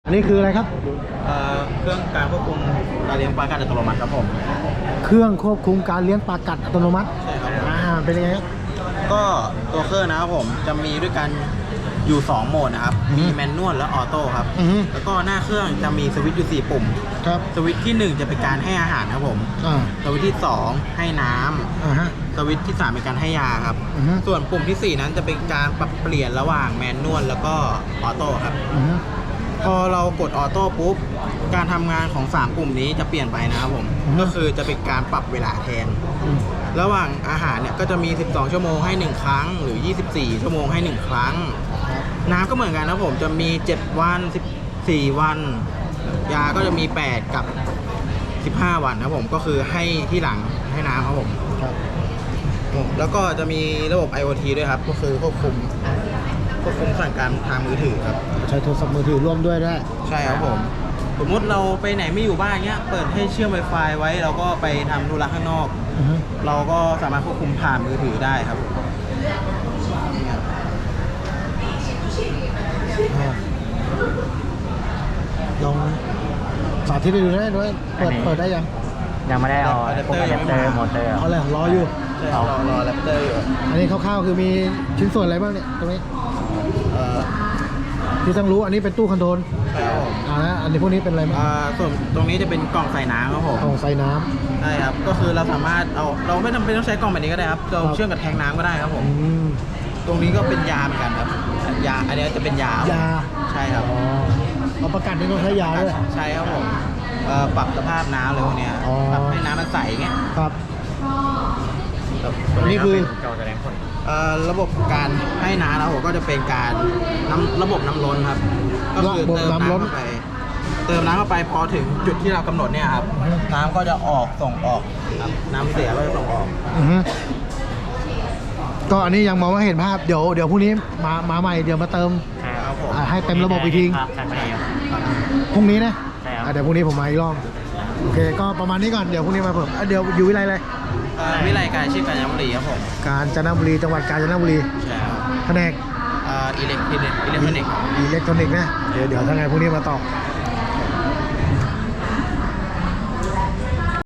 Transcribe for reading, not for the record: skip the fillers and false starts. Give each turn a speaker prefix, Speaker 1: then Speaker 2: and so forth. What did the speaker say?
Speaker 1: อันนี้คืออะไรครับ
Speaker 2: เครื่องการควบคุมการเลี้ยงปลากัดอัตโนมัติครับผม
Speaker 1: เครื่องควบคุมการเลี้ยงปลากัดอัตโนมัติ
Speaker 2: ใช่ครับ
Speaker 1: เป็นยังไงครับ
Speaker 2: ก็ตัวเครื่องนะครับผมจะมีด้วยกันอยู่2โหมดนะครับมีแมนนวลและออโต้ครับแล้วก็หน้าเครื่องจะมีสวิตช์อยู่4ปุ่ม
Speaker 1: ครับ
Speaker 2: สวิตช์ที่1จะเป็นการให้อาหารครับผมสวิตช์ที่2ให้น้ำสวิตช์ที่3เป็นการให้ยาครับส่วนปุ่มที่4นั้นจะเป็นการปรับเปลี่ยนระหว่างแมนนวลแล้วก็ออโต้ครับพอเรากดออโต้ปุ๊บการทำงานของ3ปุ่มนี้จะเปลี่ยนไปนะครับผมก็คือจะเป็นการปรับเวลาแทนระหว่างอาหารเนี่ยก็จะมี12ชั่วโมงให้1ครั้งหรือ24ชั่วโมงให้1ครั้งน้ำก็เหมือนกันนะผมจะมี7วัน14วันยาก็จะมี8กับ15วันครับผมก็คือให้ที่หลังให้น้ำครับผมแล้วก็จะมีระบบ IoT ด้วยครับก็คือควบคุมสั่งการทางมือถือครับ
Speaker 1: ใช้โทรศัพท์มือถือร่วมด้วยได้
Speaker 2: ใช่ครับผมสมมติเราไปไหนไม่อยู่บ้านเงี้ยเปิดให้เชื่อม Wi-Fi ไว้เราก็ไปทำธุระข้างนอกเราก็สามารถควบคุมผ่านมือถือได้ครับ
Speaker 1: ลองสาธิตให้ดูได้ด้วยเปิดได้
Speaker 3: ยังไม่ได้เอาอะแดปเตอร์มอเตอร์
Speaker 1: เขาเลยรออยู่
Speaker 2: รอแรปเตอร์อยู่
Speaker 1: อันนี้คร่าวๆคือมีชิ้นส่วนอะไรบ้างเนี่ยตรงนี้ที่ต้องรู้อันนี้เป็นตู้คอนโทรลนะอันนี้พวกนี้เป็นอะไรบ้าง
Speaker 2: ส่วนตรงนี้จะเป็นกล่องใส่น้ำครับผม
Speaker 1: กล่องใส่น้
Speaker 2: ำใช่ครับก็คือเราสามารถเราไม่จำเป็นต้องใช้กล่องแบบนี้ก็ได้ครับเราเชื่อมกับแทงน้ำก็ได้ครับผมตรงนี้ก็เป็นยาเหมือนกันครับยาอันนี้จะเป็นยาใช่ครับ
Speaker 1: เอาประกันนี่ต้องใช้ยาด้วย
Speaker 2: ใช่ครับผมปรับสภาพน้ำเลยพวกนี้ปรับให้น้ำมันใสเงี้ย
Speaker 1: ครับนี่คือ
Speaker 2: ระบบการให้น้ำเราก็จะเป็นการระบบน้ำล้นครับก็คือเติมน้ำเข้าไปพอถึงจุดที่เรากำหนดเนี่ยครับน้ำก็จะส่งออกครับน้ำเสียก็จะส่งออก
Speaker 1: ก็อันนี้ยังมองไม่เห็นภาพเดี๋ยวพรุ่งนี้มาใหม่เดี๋ยวมาเติมให้เต็มระบบอีกทีพรุ่งนี้นะเดี๋ยวพรุ่งนี้ผมมาอีกรอบโอเคก็ประมาณนี้ก่อนเดี๋ยวพรุ่งนี้มาเพิ่มเดี๋ยวอยู่วิไลเลย
Speaker 2: วิไลการชื่อกาญจนบุรีครับผม
Speaker 1: กาญจนบุรีจังหวัดกาญจนบุรี
Speaker 2: ใช่ครับ
Speaker 1: แผนก
Speaker 2: อิเล็กทรอนิกส์นะ
Speaker 1: เดี๋ยวถ้าไงพรุ่งนี้มาต่อ